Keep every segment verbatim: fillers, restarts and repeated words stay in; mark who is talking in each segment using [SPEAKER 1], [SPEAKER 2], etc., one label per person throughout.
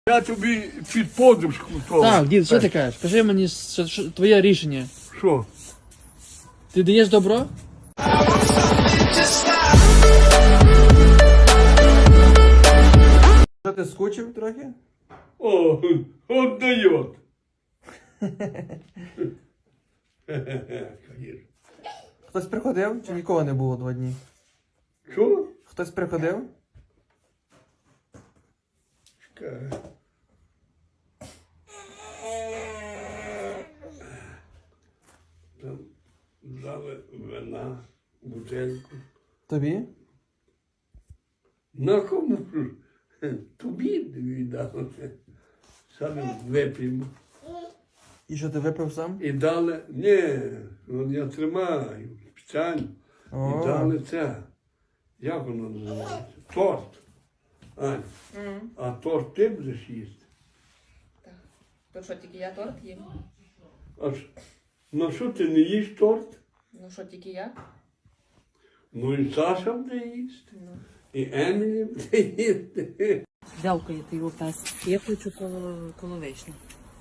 [SPEAKER 1] Я тобі під подушку то.
[SPEAKER 2] Так, дід, що ти кажеш? Кажи мені що, що, твоє рішення.
[SPEAKER 1] Що?
[SPEAKER 2] Ти даєш добро?
[SPEAKER 3] Що ти скучив трохи?
[SPEAKER 1] О, от дает.
[SPEAKER 3] Хтось приходив чи нікого не було два дні?
[SPEAKER 1] Що?
[SPEAKER 3] Хтось приходив?
[SPEAKER 1] Чекай. Там дали вина, бутельку.
[SPEAKER 3] Тобі?
[SPEAKER 1] На кому ж? Тобі віддали. Саме вип'ємо.
[SPEAKER 3] І що ти випив сам?
[SPEAKER 1] І дали, ні, ну, я тримаю спеціально.
[SPEAKER 3] О.
[SPEAKER 1] І дали це. Як воно називається? Торт. Ань, а торт ти будеш їсти?
[SPEAKER 4] Так. То що, тільки я торт їм?
[SPEAKER 1] А ж, ну що ти не їш торт?
[SPEAKER 4] Ну що, тільки я?
[SPEAKER 1] Ну і Саша буде їсти.
[SPEAKER 4] Ну.
[SPEAKER 1] І Емілі буде їсти.
[SPEAKER 4] Вялкає ти його пес. Я хочу коло, коло вишні.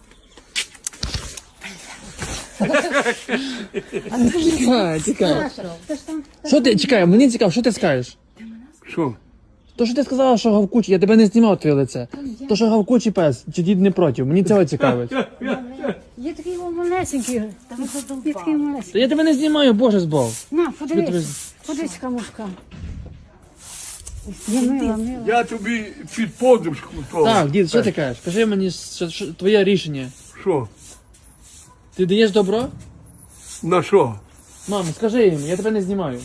[SPEAKER 2] Чекай, чекай. Що ти, чекай, мені цікаво, що ти скажеш?
[SPEAKER 1] Що?
[SPEAKER 2] То, що ти сказала, що гавкучий, я тебе не знімав твоє лице. То, що гавкучий пес, чи дід не проти, мені цього цікавить.
[SPEAKER 5] Є такий малесенький, є такий малесенький.
[SPEAKER 2] То я тебе не знімаю, боже збов.
[SPEAKER 5] На,
[SPEAKER 2] Що
[SPEAKER 5] подивись, подивись, камушка. Я мила, мила.
[SPEAKER 1] Я тобі під подушку то.
[SPEAKER 2] Так, дід, що ти кажеш? Кажи мені що, що, твоє рішення.
[SPEAKER 1] Що?
[SPEAKER 2] Ти даєш добро?
[SPEAKER 1] На що?
[SPEAKER 2] Мамо, скажи їм, я тебе не знімаю.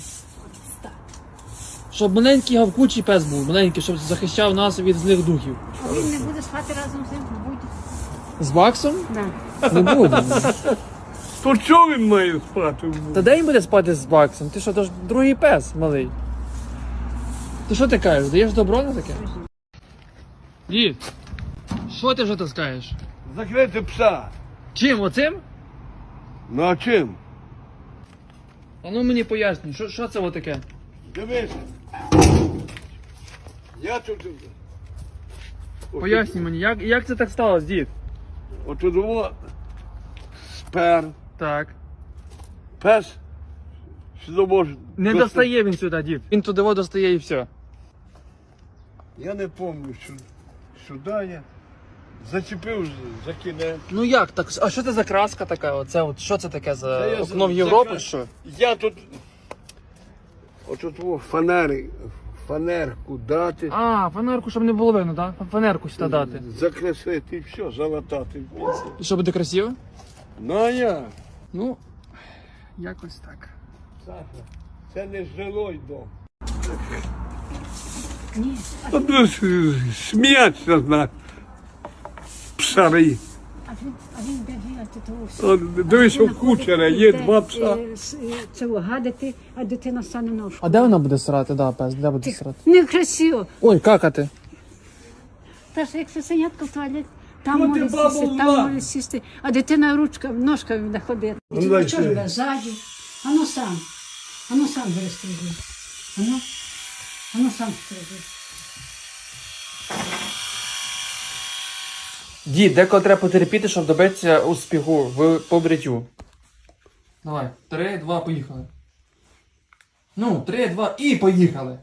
[SPEAKER 2] Щоб маленький гавкучий пес був, маленький, щоб захищав нас від злих духів.
[SPEAKER 5] А він не буде спати разом з ним, будь.
[SPEAKER 2] З Баксом?
[SPEAKER 5] Да.
[SPEAKER 2] Не буде.
[SPEAKER 1] То чого він має спати?
[SPEAKER 2] Та де він буде спати з Баксом? Ти що, то ж другий пес малий. Ти що ти кажеш? Даєш добро на таке? Дід, що ти вже таскаєш?
[SPEAKER 1] Закрити пса.
[SPEAKER 2] Чим, оцим?
[SPEAKER 1] Ну а чим?
[SPEAKER 2] А ну мені пояснюй, що, що це отаке?
[SPEAKER 1] Дивись. Я тут.
[SPEAKER 2] Пояснюй мені, як, як це так сталося, дід?
[SPEAKER 1] Отут його спер.
[SPEAKER 2] Так.
[SPEAKER 1] Пес. Сюди може.
[SPEAKER 2] Не
[SPEAKER 1] достати.
[SPEAKER 2] достає він сюди, дід. Він туди во достає і все.
[SPEAKER 1] Я не пам'ятаю, що сюди я зачепив за кінець.
[SPEAKER 2] Ну як так? А що це за краска така? Оце от що це таке за
[SPEAKER 1] Це я
[SPEAKER 2] окно в
[SPEAKER 1] за-
[SPEAKER 2] Європу?
[SPEAKER 1] закра-
[SPEAKER 2] Що?
[SPEAKER 1] Я тут. Отут о, фанери, фанерку дати,
[SPEAKER 2] А, фанерку, щоб не було видно, так? Фанерку сюди дати.
[SPEAKER 1] закрасити і все, залатати.
[SPEAKER 2] І що буде красиво?
[SPEAKER 1] Ну а я,
[SPEAKER 2] Ну, якось так.
[SPEAKER 1] Саша, це не жилой дом.
[SPEAKER 5] Ні.
[SPEAKER 1] От ну, сміятися з нас, псари.
[SPEAKER 5] А він, а він де бігати того всього.
[SPEAKER 1] От, дивись, у кучера є два пса.
[SPEAKER 5] Це гадати, а дитина стане ножку.
[SPEAKER 2] А де вона буде срати, да, пес? Де буде срати?
[SPEAKER 5] Некрасиво.
[SPEAKER 2] Ой, какати.
[SPEAKER 5] Та ж як сусенятка в туалет, там
[SPEAKER 1] Ну, ти
[SPEAKER 5] може
[SPEAKER 1] баба
[SPEAKER 5] сісти,
[SPEAKER 1] була.
[SPEAKER 5] там може сісти, а дитина ручка, ножка буде ходити.
[SPEAKER 1] Ну, дай
[SPEAKER 5] Чого ж
[SPEAKER 1] сюди.
[SPEAKER 5] тебе ззаді? Ану сам. Ану сам перестрибуй. Ану. Ану сам стрибуй.
[SPEAKER 2] Дід, деколи треба потерпіти, щоб добитися успіху в побриттю. Давай, три, два, поїхали. Ну, три, два і поїхали.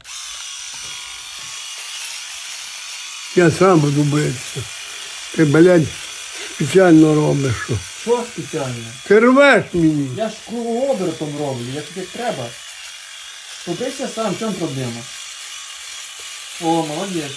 [SPEAKER 1] Я сам буду битися. Ти, блядь, спеціально робиш. Що.
[SPEAKER 2] Що спеціально?
[SPEAKER 1] Ти рвеш мені.
[SPEAKER 2] Я ж кругообертом роблю, як тобі треба. Побийся сам, в чому проблема? О, молодець.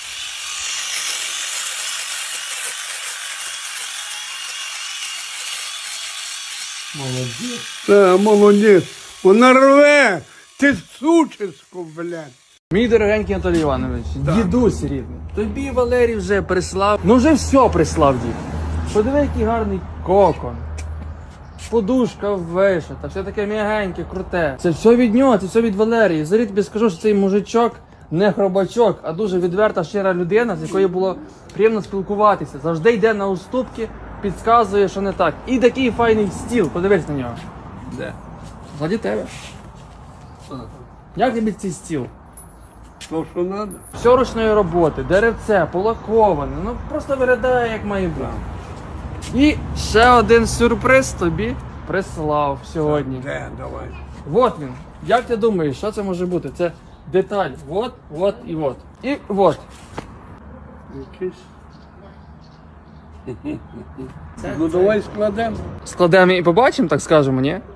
[SPEAKER 2] Молодець.
[SPEAKER 1] Та, молодець. Вона рве. Ти сучисько, блядь.
[SPEAKER 2] Мій дорогенький Анатолій Іванович, дідусь рідний, тобі Валерій вже прислав, ну вже все прислав, дід. Подиви, який гарний кокон. Подушка вишита, все таке м'ягеньке, круте. Це все від нього, це все від Валерії. Зарі тобі скажу, що цей мужичок не хробачок, а дуже відверта, щира людина, з якою було приємно спілкуватися. Завжди йде на уступки, підказує, що не так. І такий файний стіл, подивись на нього. Де? Ззаді тебе. Як тобі цей стіл?
[SPEAKER 1] То, що треба.
[SPEAKER 2] Все ручної роботи, деревце, полаковане, ну просто виглядає як має бути. І ще один сюрприз тобі прислав сьогодні.
[SPEAKER 1] Де, давай.
[SPEAKER 2] Вот він. Як ти думаєш, що це може бути? Це деталь. Вот, вот і вот. І вот.
[SPEAKER 1] Якийсь. Ну давай складемо.
[SPEAKER 2] Складемо і побачимо, так скажемо, ні?